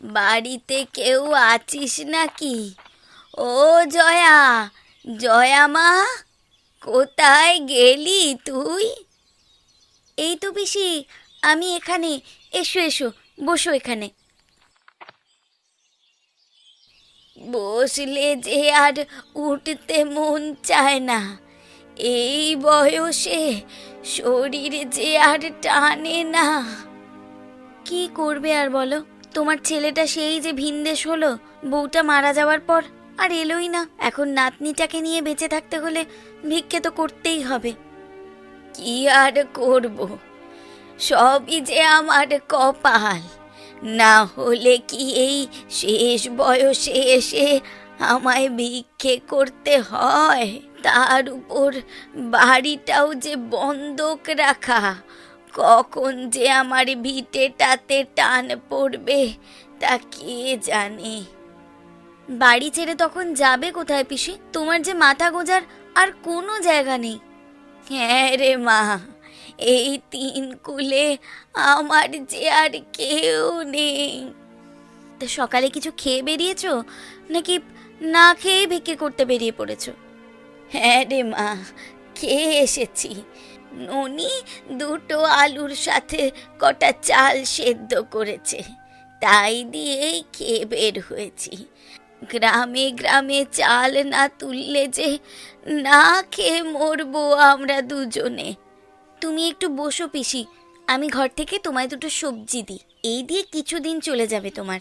বাড়িতে কেউ আছিস নাকি? ও জয়া, জয়া মা, কোথায় গেলি তুই? এই তো পিসি, আমি এখানে। এসো এসো, বসো এখানে। বসলে যে আর উঠতে মন চায় না। এই বয়সে শরীর যে আর টানে না। কি করবে আর বলো, তোমার ছেলেটা সেই যে ভিনদেশ হলো, বউটা মারা যাওয়ার পর আর এলোই না। এখন নাতনিটাকে নিয়ে বেঁচে থাকতে হলে ভিক্ষে তো করতেই হবে। কি আর করব, সবই যে আমার কপাল। না হলে কি এই শেষ বয়সে এসে আমায় ভিক্ষে করতে হয়? তার উপর বাড়িটাও যে বন্ধক রাখা। কখন যে আমার ভিটেটাতে টান পড়বে তা কে জানে। বাড়ি ছেড়ে তখন যাবে কোথায় পিসি? তোমার যে মাথা গোঁজার আর কোনো জায়গা নেই। হ্যাঁ রে মা, এই তিন কুলে আমার যে আর কেউ নেই। তা সকালে কিছু খেয়ে বেরিয়েছো, নাকি না খেয়ে ভিক্ষে করতে বেরিয়ে পড়েছো? হ্যাঁ রে মা, খেয়ে এসেছি। ননি দুটো আলুর সাথে কটা চাল সেদ্ধ করেছে, তাই দিয়েই খেয়ে বের হয়েছি। গ্রামে গ্রামে চাল না তুললে যে না খেয়ে মরবো আমরা দুজনে। তুমি একটু বসো পিসি, আমি ঘর থেকে তোমায় দুটো সবজি দিই, এই দিয়ে কিছুদিন চলে যাবে তোমার।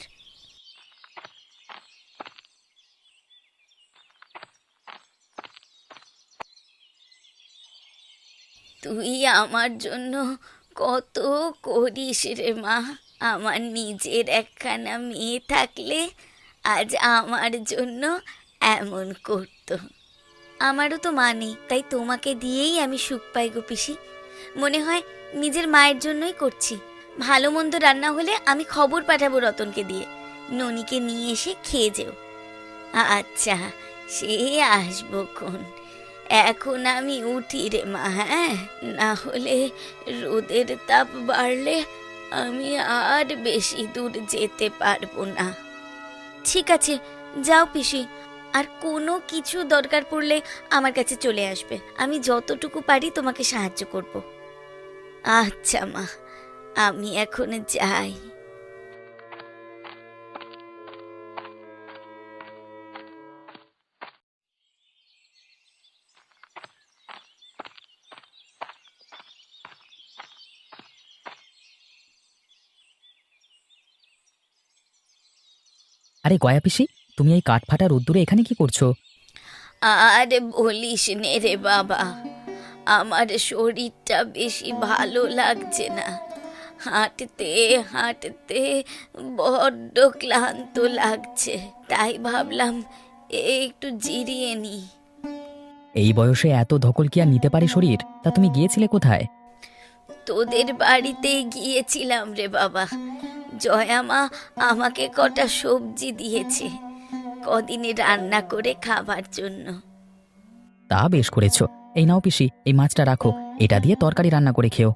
তুই আমার জন্য কত করিস রে মা। আমার নিজের একখানা মেয়ে থাকলে আজ আমার জন্য এমন করতো। আমারও তো মা নেই, তাই তোমাকে দিয়েই আমি সুখ পাই গো পিসি। মনে হয় নিজের মায়ের জন্যই করছি। ভালো মন্দ রান্না হলে আমি খবর পাঠাবো রতনকে দিয়ে, ননিকে নিয়ে এসে খেয়ে যেও। আচ্ছা, সে আসবো খন। এখন আমি উঠি রে মা, হ্যাঁ? না হলে রোদের তাপ বাড়লে আমি আর বেশি দূর যেতে পারবো না। ঠিক আছে, যাও পিসি। আর কোনো কিছু দরকার পড়লে আমার কাছে চলে আসবে, আমি যতটুকু পারি তোমাকে সাহায্য করব। আচ্ছা মা, আমি এখন যাই। আরে গয়া পিসি, তুমি এই কাঠফাটা রোদ্দুরে এখানে কি করছো? আর বলিস নে রে বাবা, আমার শরীরটা বেশি ভালো লাগছে না। হাঁটতে হাঁটতে বড্ড ক্লান্ত লাগছে, তাই ভাবলাম একটু জিরিয়ে নি। এই বয়সে এত ধকল কি আর নিতে পারে শরীর? তা তুমি গিয়েছিলে কোথায়? তোদের বাড়িতে গিয়েছিলাম রে বাবা। জয়া মা আমাকে কটা সবজি দিয়েছে, কদিনে রান্না করে খাবার জন্য। তা বেশ করেছো। এই নাও পিসি, এই মাছটা রাখো, এটা দিয়ে তরকারি রান্না করে খেও।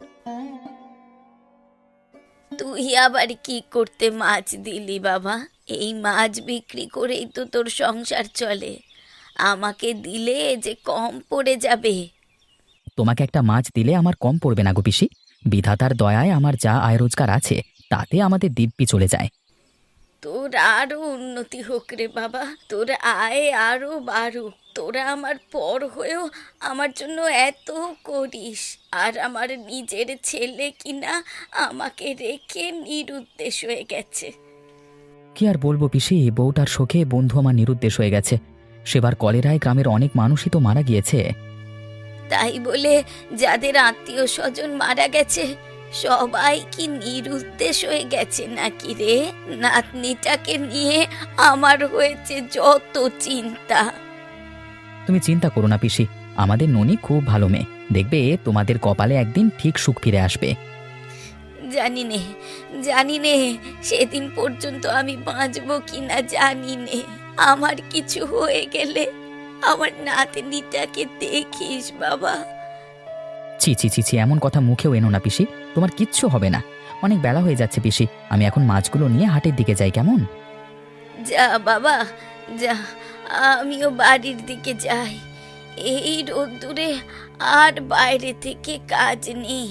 তুই আবার কি করতে মাছ দিলি বাবা? এই মাছ বিক্রি করেই তো তোর সংসার চলে, আমাকে দিলে যে কম পড়ে যাবে। তোমাকে একটা মাছ দিলে আমার কম পড়বে না গো পিসি। বিধাতার দয়ায় আমার যা আয় রোজগার আছে তাতে আমাদের দিব্যি চলে যায়। তোর আরো উন্নতি হোক রে বাবা, তোর আয় আরো বাড়ুক। তোরা আমার পর হয়েও আমার জন্য এত করিস, আর আমার নিজের ছেলে কিনা আমাকে রেখে নিরুদ্দেশ হয়ে গেছে। কি আর বলবো পিসি, বউটার শোকে বন্ধু আমার নিরুদ্দেশ হয়ে গেছে। সেবার কলেরায় গ্রামের অনেক মানুষই তো মারা গিয়েছে। তাই বলে যাদের আত্মীয় স্বজন মারা গেছে সবাই কি নিরুদ্দেশ হয়ে গেছে নাকি রে? নাতনিটাকে নিয়ে আমার হয়েছে যত চিন্তা। তুমি চিন্তা করো না পিসি, আমাদের ননি খুব ভালো মেয়ে, দেখবে তোমাদের কপালে একদিন ঠিক সুখ ফিরে আসবে। জানি নে, জানি নে সেদিন পর্যন্ত আমি বাঁচবো কিনা জানি নে। আমার কিছু হয়ে গেলে আমার নাতনিটাকে দেখিস বাবা। ছি ছি ছি ছি, এমন কথা মুখেও এনো না পিসি, তোমার কিচ্ছু হবে না। অনেক বেলা হয়ে যাচ্ছে পিসি, আমি এখন মাছগুলো নিয়ে হাটের দিকে যাই, কেমন? যা বাবা যা, আমিও বাড়ির দিকে যাই। এই রোদ্দুরে আর বাইরে থেকে কাজ নেই।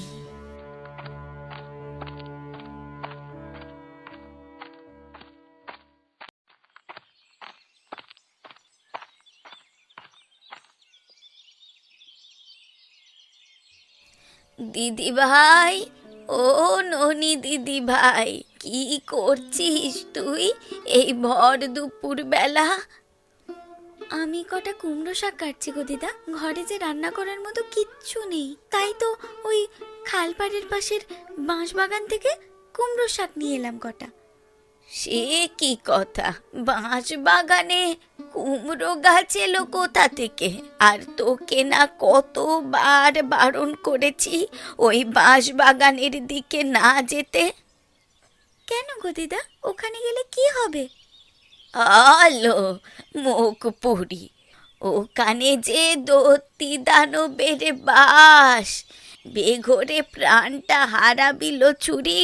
দিদি ভাই, ও ননি দিদি ভাই, কি করছিস তুই এই ভর দুপুর বেলা? আমি কটা কুমড়ো শাক কাটছি গো দিদা, ঘরে যে রান্না করার মতো কিচ্ছু নেই, তাই তো ওই খালপাড়ের পাশের বাঁশবাগান থেকে কুমড়ো শাক নিয়ে এলাম কটা। সে কি কথা, বাঁশ বাগানে কুমড়ো গাছ এলো কোথা থেকে? আর তোকে না কতবার বারণ করেছি ওই বাঁশ বাগানের দিকে না যেতে। কেন গো দিদা, ওখানে গেলে কি হবে? আলো মুখ পুরি, ওখানে যে দত্তি দানবের বাস, বেঘরে প্রাণটা হারাবিল চুরি।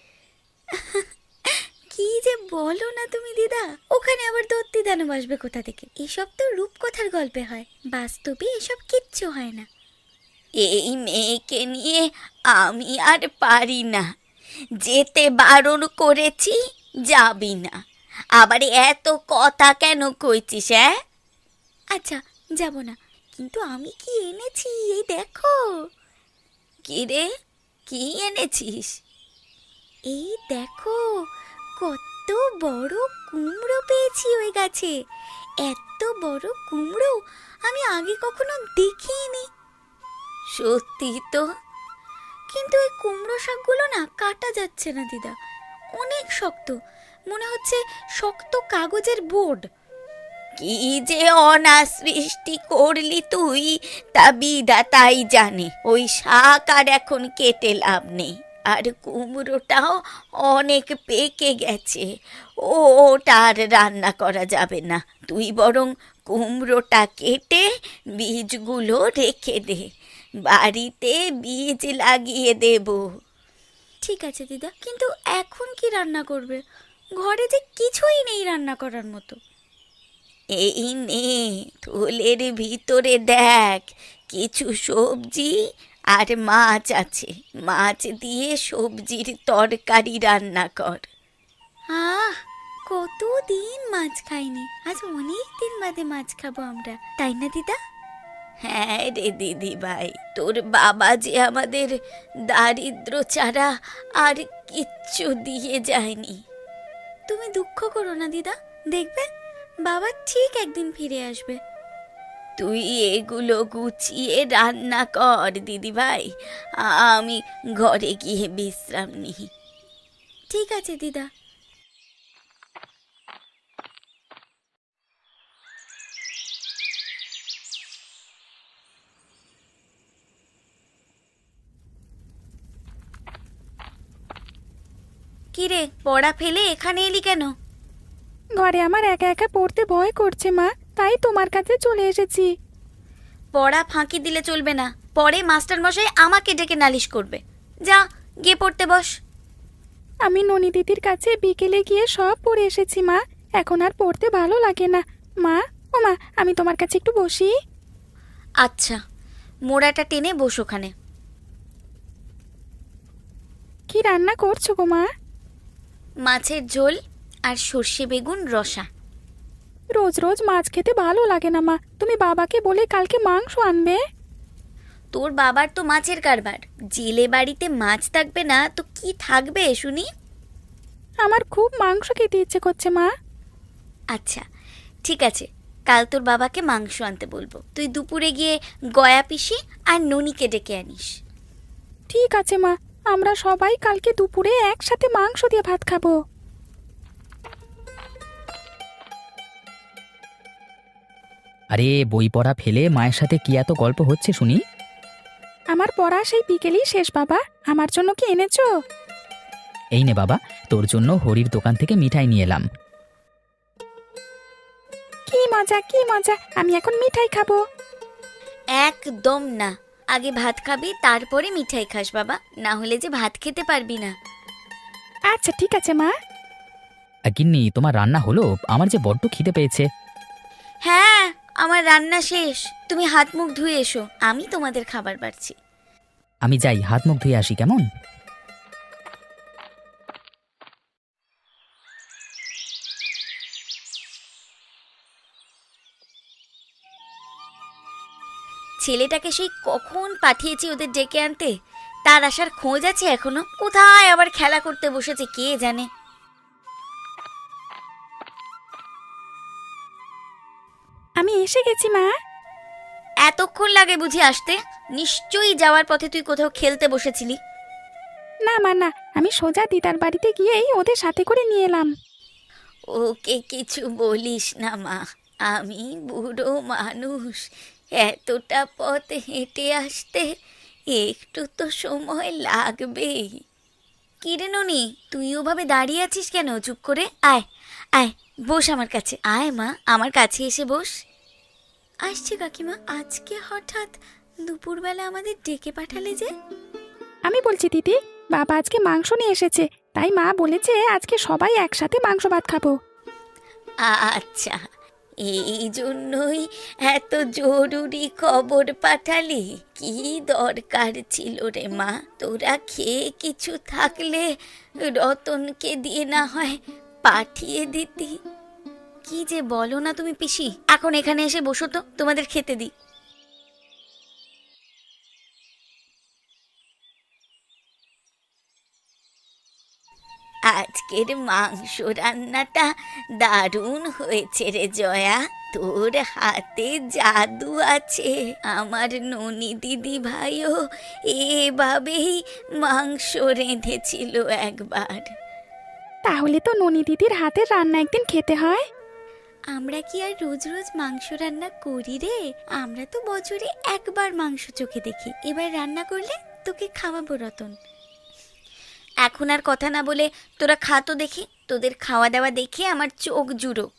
কি যে বলো না তুমি দিদা, ওখানে আবার দত্তি দানব আসবে কোথা থেকে? এসব তো রূপকথার গল্পে হয়, বাস্তবে এসব কিচ্ছু হয় না। এই মেয়েকে নিয়ে আমি আর পারি না, যেতে বারণ করেছি যাবি না, আবার এত কথা কেন কইছিস? আচ্ছা যাব না, কিন্তু আমি কি এনেছি এই দেখো। কি রে, কি এনেছিস? এই দেখো, কত বড় কুমড়ো পেয়েছি ওই গাছে। এত বড় কুমড়ো আমি আগে কখনো দেখিনি। সত্যি তো, কিন্তু এই কুমড়ো শাকগুলো না কাটা যাচ্ছে না দিদা, অনেক শক্ত, মনে হচ্ছে শক্ত কাগজের বোর্ড। কি যে অনাসৃষ্টি করলি তুই, তা বিধাতাই জানে। ওই শাক আর এখন কেটে লাভ নেই, আর কুমড়োটাও অনেক পেকে গেছে, ওটা আর রান্না করা যাবে না। তুই বরং কুমড়োটা কেটে বীজগুলো রেখে দে, বাড়িতে বীজ লাগিয়ে দেব। ঠিক আছে দিদা, কিন্তু এখন কি রান্না করবে? ঘরে যে কিছুই নেই রান্না করার মতো। এই নে, থলের ভিতরে দেখ, কিছু সবজি আর মাছ আছে, মাছ দিয়ে সবজির তরকারি রান্না কর। আহ, কতদিন মাছ খাইনি, আজ অনেক দিন বাদে মাছ খাবো আমরা, তাই না দিদা? হ্যাঁ রে দিদি ভাই, তোর বাবা যে আমাদের দারিদ্র ছাড়া আর কিচ্ছু দিয়ে যায়নি। তুমি দুঃখ করো না দিদা, দেখবে বাবা ঠিক একদিন ফিরে আসবে। তুই এগুলো গুছিয়ে রান্না কর দিদি ভাই, আমি ঘরে গিয়ে বিশ্রাম নিই। ঠিক আছে দিদা। কিরে, পড়া ফেলে এখানে এলি কেন? ঘরে আমার একা একা পড়তে ভয় করছে মা, তাই তোমার কাছে চলে এসেছি। পড়া ফাঁকি দিলে চলবে না, পরে মাস্টার মশাই আমাকে ডেকে নালিশ করবে। যা, গিয়ে পড়তে বস। আমি ননি দিদির কাছে বিকেলে গিয়ে সব পড়ে এসেছি মা, এখন আর পড়তে ভালো লাগে না। মা, ও মা, আমি তোমার কাছে একটু বসি। আচ্ছা, মোড়াটা টেনে বস ওখানে। কি রান্না করছো গো মা? মাছের ঝোল আর সর্ষে বেগুন রসা। রোজ রোজ মাছ খেতে ভালো লাগে না মা, তুমি বাবাকে বলে কালকে মাংস আনবে। তোর বাবার তো মাছের কারবার, জেলে বাড়িতে মাছ থাকবে না তো কি থাকবে শুনি? আমার খুব মাংস খেতে ইচ্ছে করছে মা। আচ্ছা ঠিক আছে, কাল তোর বাবাকে মাংস আনতে বলবো, তুই দুপুরে গিয়ে গয়া পিসি আর ননিকে ডেকে আনিস। ঠিক আছে মা, আমরা সবাই কালকে দুপুরে একসাথে মাংস দিয়ে ভাত খাবো। আরে বই পড়া ফেলে মায়ের সাথে কি এত গল্প হচ্ছে শুনি? আমার পড়া সেই বিকেলেই শেষ বাবা, আমার জন্য কি এনেছো? এই নে বাবা, তোর জন্য হরির দোকান থেকে মিঠাই নিয়ে এলাম। কি মজা কি মজা, আমি এখন মিঠাই খাবো। একদম না, আগে ভাত খাবি তারপরে মিঠাই খাস বাবা, না হলে যে ভাত খেতে পারবি না। আচ্ছা ঠিক আছে মা। গিন্নি, তোমার রান্না হলো? আমার যে বড্ড খিদে পেয়েছে। হ্যাঁ, আমার রান্না শেষ। তুমি হাত মুখ ধুয়ে এসো, আমি তোমাদের খাবার বাড়ছি। আমি যাই, হাত মুখ ধুয়ে আসি, কেমন? ছেলেটাকে সেই কখন পাঠিয়েছি ওদের ডেকে আনতে, তার আসার খোঁজ আছে এখনো? কোথায় আবার খেলা করতে বসেছে কে জানে। আমি এসে গেছি মা। এতক্ষণ লাগে বুঝি আসতে? নিশ্চয়ই যাওয়ার পথে তুই কোথাও খেলতে বসেছিলি। না মা না, আমি সোজা দিদার বাড়িতে গিয়েই ওদের সাথে করে নিয়ে এলাম। ওকে কিছু বলিস না মা, আমি বুড়ো মানুষ, এতটা পথ হেঁটে আসতে একটু তো সময় লাগবেই। কিরে ননি, তুই ওভাবে দাঁড়িয়ে আছিস কেন? চুপ করে আয়, আয় বস আমার কাছে, আয় মা আমার কাছে এসে বস। আসছে কাকিমা, আজকে হঠাৎ দুপুরবেলা আমাদের ডেকে পাঠালে যে? আমি বলছি দিদি, বাবা আজকে মাংস নিয়ে এসেছে, তাই মা বলেছে আজকে সবাই একসাথে মাংস ভাত খাবো। আচ্ছা, এই জন্যই এত জরুরি খবর পাঠালি? কি দরকার ছিল রে মা? তোরা খেয়ে কিছু থাকলে রতনকে দিয়ে না হয় পাঠিয়ে দিতি। কি যে বলো না তুমি পিসি, এখন এখানে এসে বসো তো, তোমাদের খেতে দিই। আজকের মাংস রান্নাটা দারুণ হয়েছে রে জয়া, তোর হাতে জাদু আছে। আমার ননি দিদি ভাইও এভাবেই মাংস রেঁধেছিল একবার। তাহলে তো ননি দিদির হাতের রান্না একদিন খেতে হয়। আমরা কি আর রোজ রোজ মাংস রান্না করি রে? আমরা তো বছরে একবার মাংস চোখে দেখি, এবার রান্না করলে তোকে খাওয়াবো রতন। এখন আর কথা না বলে তোরা খা তো দেখি, তোদের খাওয়া দাওয়া দেখে আমার চোখ জুড়োক।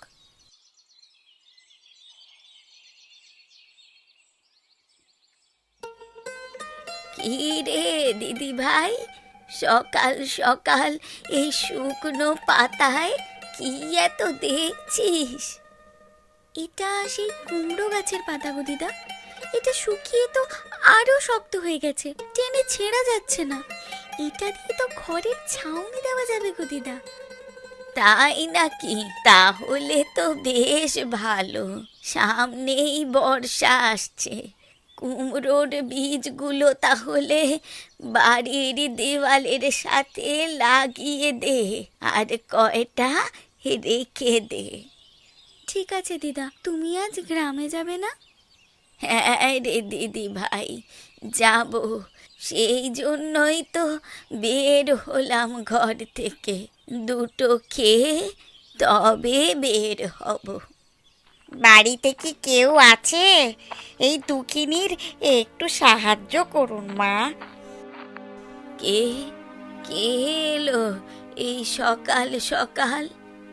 কি রে দিদি ভাই, সকাল সকাল এই শুকনো পাতায় কি এত দেখছিস? এটা সেই কুমড়ো গাছের পাতা গো দিদা, এটা শুকিয়ে তো আরো শক্ত হয়ে গেছে, টেনে ছেঁড়া যাচ্ছে না। এটা দিয়ে তো ঘরের ছাউনি দেওয়া যাবে গো দিদা। তাই নাকি? তাহলে তো বেশ ভালো, সামনেই বর্ষা আসছে। কুমড়োর বীজগুলো তাহলে বাড়ির দেওয়ালের সাথে লাগিয়ে দে, আর কয়টা রেখে দে। ঠিক আছে দিদা, তুমি আজ গ্রামে যাবে না? হ্যাঁ রে দিদি ভাই, যাব, সেই জন্যই তো বের হলাম ঘর থেকে। দুটো খেয়ে তবে বের হব। বাড়িতে কি কেউ আছে? এই দুঃখিনীর একটু সাহায্য করুন মা। কে কে এলো এই সকাল সকাল?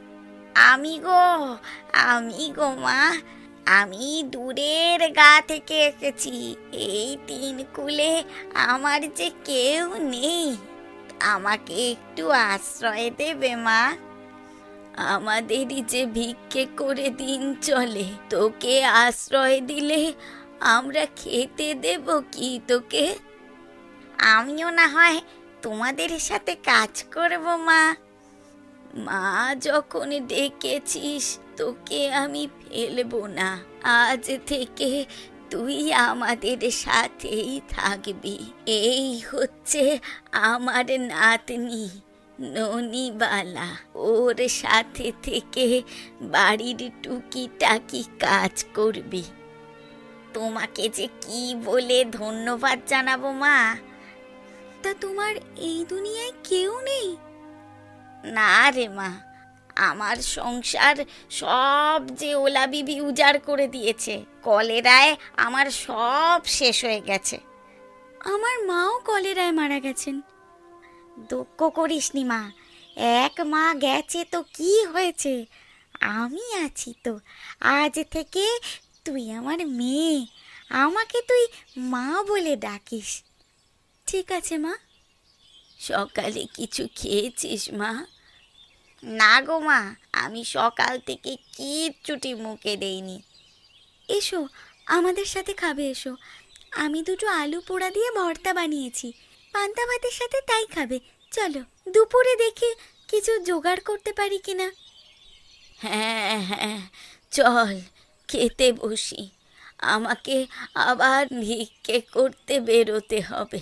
আমি গো মা, আমি দূরের গা থেকে এসেছি। এই তিন কুলে আমার যে কেউ নেই, আমাকে একটু আশ্রয় দেবে মা? আমাদেরই যে ভিক্ষে করে দিন চলে, তোকে আশ্রয় দিলে আমরা খেতে দেব কি তোকে? আমিও না হয় তোমাদের সাথে কাজ করব মা। মা যখন ডেকেছিস তোকে আমি ফেলবো না, আজ থেকে তুই আমাদের সাথেই থাকবি। এই হচ্ছে আমার নাতনি ননিবালা, ওর সাথে থেকে বাড়ির টুকিটাকি কাজ করবি। তোমাকে যে কি বলে ধন্যবাদ জানাবো মা। তা তোমার এই দুনিয়ায় কেউ নেই? না রে মা, আমার সংসার সব যে ওলা বিবি উজাড় করে দিয়েছে। কলেরায় আমার সব শেষ হয়ে গেছে। আমার মাও কলেরায় মারা গেছেন। দুঃখ করিসনি মা, এক মা গেছে তো কি হয়েছে, আমি আছি তো। আজ থেকে তুই আমার মেয়ে, আমাকে তুই মা বলে ডাকিস। ঠিক আছে মা। সকালে কিছু খেয়েছিস মা? না গো মা, আমি সকাল থেকে কিচ্ছুটি মুখে দেইনি। এসো, আমাদের সাথে খাবে এসো। আমি দুটো আলু পোড়া দিয়ে ভর্তা বানিয়েছি, পান্তা ভাতের সাথে তাই খাবে। চলো, দুপুরে দেখে কিছু জোগাড় করতে পারি কিনা। হ্যাঁ হ্যাঁ, চল খেতে বসি। আমাকে আবার ভিক্ষে করতে বেরোতে হবে।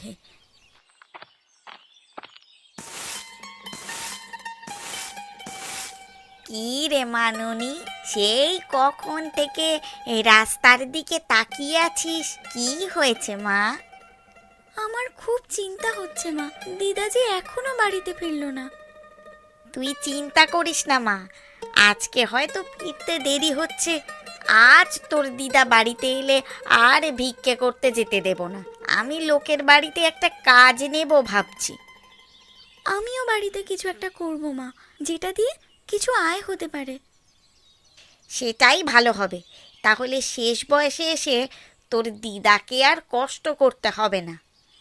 কি রে মানুনি, সেই কখন থেকে এই রাস্তার দিকে তাকিয়ে আছিস? কি হয়েছে মা? আমার খুব চিন্তা হচ্ছে মা, দিদা যে এখনো বাড়িতে ফিরলো না। তুই চিন্তা করিস না মা, আজকে হয়তো ফিরতে দেরি হচ্ছে। আজ তোর দিদা বাড়িতে এলে আর ভিক্ষে করতে যেতে দেব না। আমি লোকের বাড়িতে একটা কাজ নেব ভাবছি। আমিও বাড়িতে কিছু একটা করব মা, যেটা দিয়ে কিছু আয় হতে পারে। সেটাই ভালো হবে, তাহলে শেষ বয়সে এসে তোর দিদাকে আর কষ্ট করতে হবে না।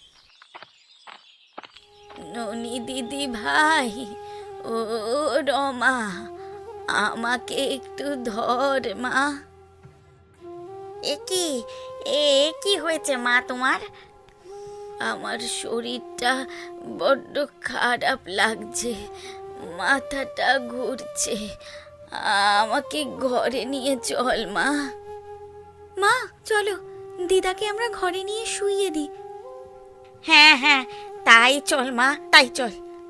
ননি দিদি ভাই, ও রমা, আমাকে একটু ধর মা। এ কি হয়েছে মা তোমার? আমার শরীরটা বড্ড খারাপ লাগছে, মাথাটা ঘুরছে। আমাকে ঘরে নিয়ে চল মা। মা চলো, দিদাকে আমরা ঘরে নিয়ে শুইয়ে দিই। হ্যাঁ হ্যাঁ, তাই চল মা, তাই চল।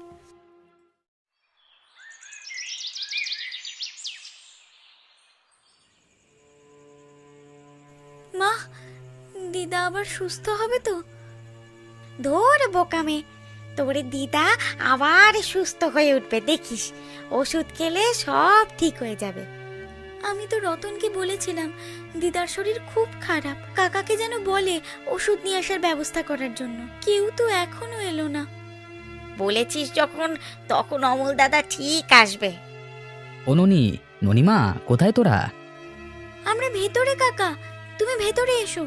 মা, দিদা আবার সুস্থ হবে তো? ধর বোকামে, তোর দিদা আবার সুস্থ হয়ে উঠবে, দেখিস। ওষুধ খেলে সব ঠিক হয়ে যাবে। আমি তো রতনকে বলেছিলাম দিদার শরীর খুব খারাপ, কাকাকে যেন বলে ওষুধ নিয়ে আসার ব্যবস্থা করার জন্য। কেউ তো এখনো এলো না। বলেছিস যখন, তখন অমল দাদা ঠিক আসবে। ও ননিমা, কোথায় তোরা? আমরা ভেতরে কাকা, তুমি ভেতরে এসো।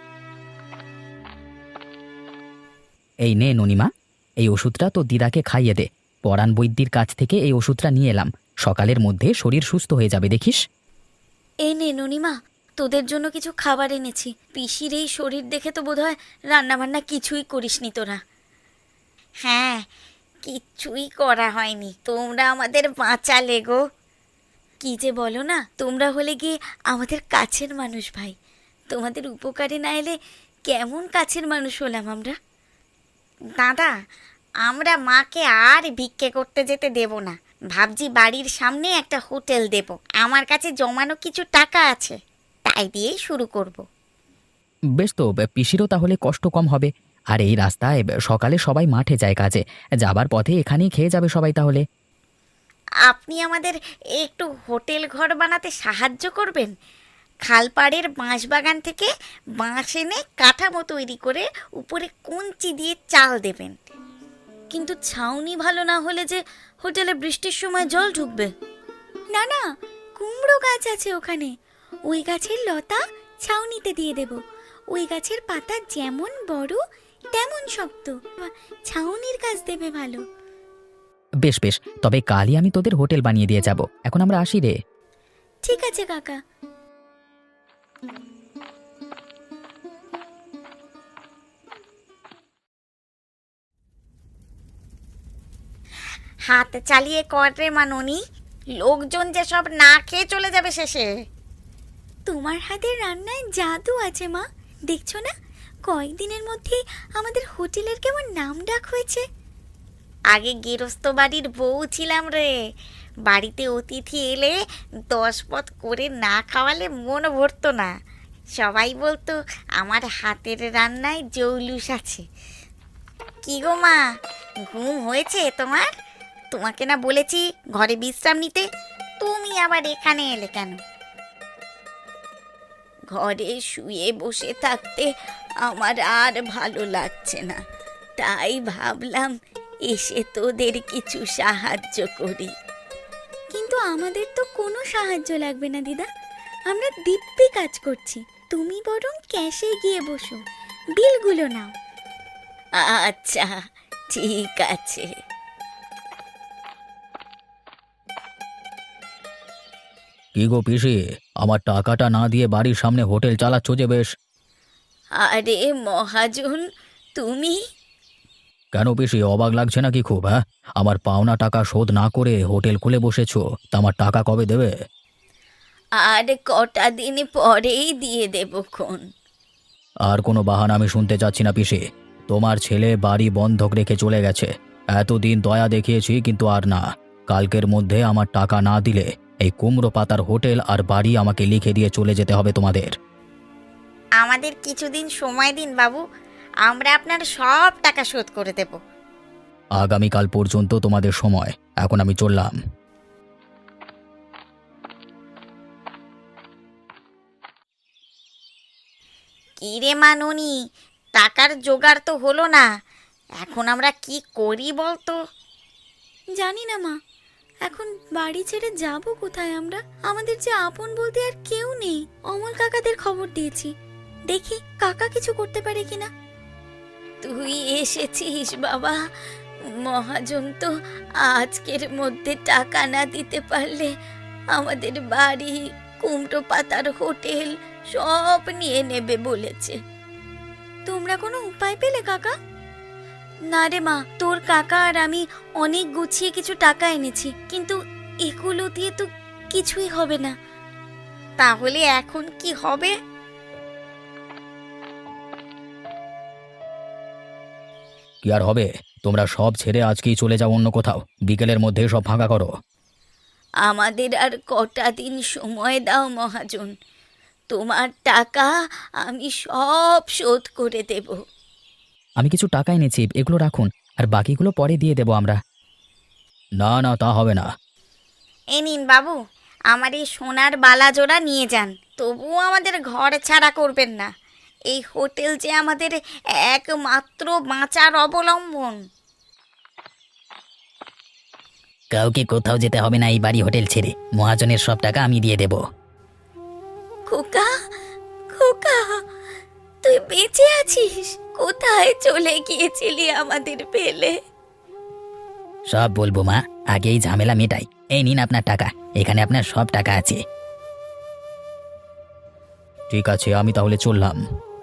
এই নে ননিমা, এই ওষুধটা তো দিদাকে খাইয়ে দে। পরাণ বৈদ্যির কাছ থেকে এই ওষুধটা নিয়ে এলাম, সকালের মধ্যে শরীর সুস্থ হয়ে যাবে দেখিস। এই নে ননিমা, তোদের জন্য কিছু খাবার এনেছি। পিসির এই শরীর দেখে তো বোধহয় রান্নাবান্না কিছুই করিসনি তোরা। হ্যাঁ, কিচ্ছুই করা হয়নি, তোমরা আমাদের বাঁচালে গো। কি যে বলো না, তোমরা হলে গিয়ে আমাদের কাছের মানুষ ভাই। তোমাদের উপকারে না এলে কেমন কাছের মানুষ হলাম আমরা। দাদা, আমরা মাকে আর ভিক্ষে করতে যেতে দেব না। ভাবছি বাড়ির সামনে একটা হোটেল দেব। আমার কাছে জমানো কিছু টাকা আছে, তাই দিয়েই শুরু করব। বেশ তো, পিসিরও তাহলে কষ্ট কম হবে। আর এই রাস্তায় সকালে সবাই মাঠে যায় কাজে, যাবার পথে এখানেই খেয়ে যাবে সবাই তাহলে। আপনি আমাদের একটু হোটেল ঘর বানাতে সাহায্য করবেন? খালপাড়ের বাঁশবাগান থেকে বাঁশ এনে কাঠামো তৈরি করে উপরে কঞ্চি দিয়ে চাল দেবেন। কিন্তু ছাউনি ভালো না হলে যে হোটেলে বৃষ্টির সময় জল ঢুকবে। না না, কুমড়ো গাছ আছে ওখানে, ওই গাছের লতা ছাউনিতে দিয়ে দেব। ওই গাছের পাতা যেমন বড় তেমন শক্ত, ছাউনির কাজ দেবে ভালো। বেশ বেশ, তবে কালই আমি তোদের হোটেল বানিয়ে দিয়ে যাব। এখন আমরা আসি রে। ঠিক আছে কাকা। হাত চালিয়ে কর রে মানুনি, লোকজন যে সব না খেয়ে চলে যাবে শেষে। তোমার হাতের রান্নায় জাদু আছে মা, দেখছো না? কয়েকদিনের মধ্যেই আমাদের হোটেলের কেমন নাম ডাক হয়েছে। আগে গেরস্ত বাড়ির বউ ছিলাম রে, বাড়িতে অতিথি এলে 10 পদ করে না খাওয়ালে মন ভরতো না। সবাই বলতো আমার হাতের রান্নায় জৌলুস আছে। কি গো মা, ঘুম হয়েছে তোমার? তোমাকে না বলেছি ঘরে বিশ্রাম নিতে, তুমি আবার এখানে এলে কেন? ঘরে শুয়ে বসে থাকতে আমার আর ভালো লাগছে না, তাই ভাবলাম এসে তোদের কিছু সাহায্য করি। কিন্তু আমাদের তো কোনো সাহায্য লাগবে না দিদা, আমরা দিব্যি কাজ করছি। তুমি বরং ক্যাশে গিয়ে বসো, বিলগুলো নাও। আচ্ছা ঠিক আছে। কি গো পিসি, আমার টাকাটা না দিয়ে বাড়ির সামনে হোটেল চালাচ্ছ যে বেশ। আরে মহাজন, তুমি? কেন পিসি, অবাক লাগছে নাকি খুব? হ্যাঁ, আমার পাওনা টাকা শোধ না করে হোটেল খুলে বসেছো, তা আমার টাকা কবে দেবে? আর কটা দিন পরেই দিয়ে দেবক্ষণ। আর কোনো বাহানা আমি শুনতে চাচ্ছি না পিসি। তোমার ছেলে বাড়ি বন্ধক রেখে চলে গেছে। এতদিন দয়া দেখিয়েছি, কিন্তু আর না। কালকের মধ্যে আমার টাকা না দিলে এই কুমড়ো পাতার হোটেল আর বাড়ি আমাকে লিখে দিয়ে চলে যেতে হবে তোমাদের। আমাদের কিছুদিন সময় দিন বাবু, আমরা আপনার সব টাকা শোধ করে দেব। আগামীকাল পর্যন্ত তোমাদের সময়। এখন আমি চললাম। কি রে মা ননি, টাকার জোগাড় তো হলো না, এখন আমরা কি করি বলতো? জানি না মা, এখন বাড়ি ছেড়ে যাব কোথায় আমরা? আমাদের যে আপন বলতে আর কেউ নেই। অমল কাকাদের খবর দিয়েছি, দেখি কাকা কিছু করতে পারে কিনা। তুই এসেছিস বাবা। মহাজন তো আজকের মধ্যে টাকা না দিতে পারলে আমাদের বাড়ি, কুমড়ো পাতার হোটেল সব নিয়ে নেবে বলেছে। তোমরা কোনো উপায় পেলে কাকা? না রে মা, তোর কাকা আর আমি অনেক গুছিয়ে কিছু টাকা এনেছি, কিন্তু এগুলো দিয়ে তো কিছুই হবে না। তাহলে এখন কি হবে? কি আর হবে, তোমরা সব ছেড়ে আজকেই চলে যাও অন্য কোথাও। বিকেলের মধ্যে সব ফাঁকা করো। আমাদের আর কটা দিন সময় দাও মহাজন, তোমার টাকা আমি সব শোধ করে দেব। আমি কিছু টাকা এনেছি, এগুলো রাখুন, আর বাকিগুলো পরে দিয়ে দেব আমরা। না না, তা হবে না। এ নিন বাবু, আমার এই সোনার বালা জোড়া নিয়ে যান, তবুও আমাদের ঘর ছাড়া করবেন না। এই হোটেল যে আমাদের একমাত্র বাঁচার অবলম্বন। কাউকে কোথাও যেতে হবে না এই বাড়ি হোটেল ছেড়ে। মহাজনের সব টাকা আমি দিয়ে দেব। খোকা, খোকা, তুই বেঁচে আছিস? কোথায় চলে গিয়েছিলি আমাদের ফেলে? সব বলবো মা, আগে এই ঝামেলা মেটাই। এই নিন আপনার টাকা, এখানে আপনার সব টাকা আছে। ঠিক আছে, আমি তাহলে চললাম।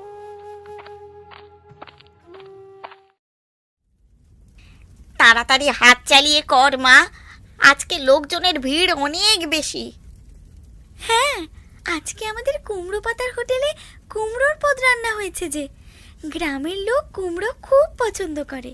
তাড়াতাড়ি হাত চালিয়ে কর মা, আজকে লোকজনের ভিড় অনেক বেশি। হ্যাঁ, আজকে আমাদের কুমড়ো পাতার হোটেলে কুমড়োর পদ রান্না হয়েছে যে। গ্রামের লোক কুমড়ো খুব পছন্দ করে।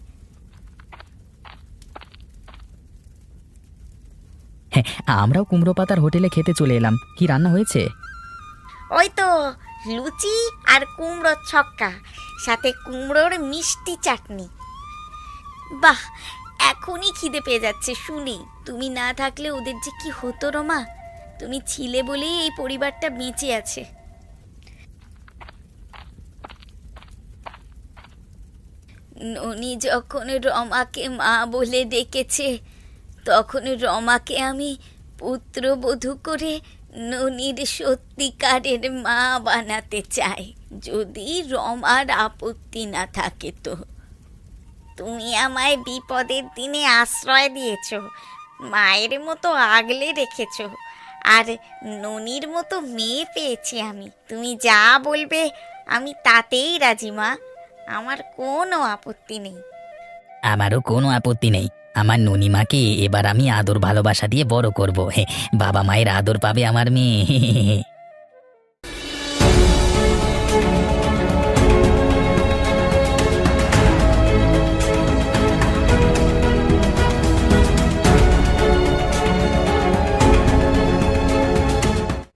হ্যাঁ, আমরাও কুমড়ো পাতার হোটেলে খেতে চলে এলাম। কি রান্না হয়েছে? ওই তো লুচি আর কুমড়োর ছক্কা, সাথে কুমড়োর মিষ্টি চাটনি। বাহ, এখনই খিদে পেয়ে যাচ্ছে শুনি। তুমি না থাকলে ওদের যে কি হতো রমা। তুমি ছিলে বলেই এই পরিবারটা বেঁচে আছে। ননি যখন রমাকে মা বলে ডেকেছে, তখন রমাকে আমি পুত্রবধূ করে ননির সত্যিকারের মা বানাতে চাই, যদি রমার আপত্তি না থাকে তো। তুমি আমায় বিপদের দিনে আশ্রয় দিয়েছ, মায়ের মতো আগলে রেখেছ, আর ননির মতো মেয়ে পেয়েছি আমি। তুমি যা বলবে আমি তাতেই রাজি মা, আমার কোনো আপত্তি নেই। আমারও কোনো আপত্তি নেই। আমার ননিমাকে এবার আমি আদর ভালোবাসা দিয়ে বড় করব। বাবা মায়ের আদর পাবে আমার মেয়ে।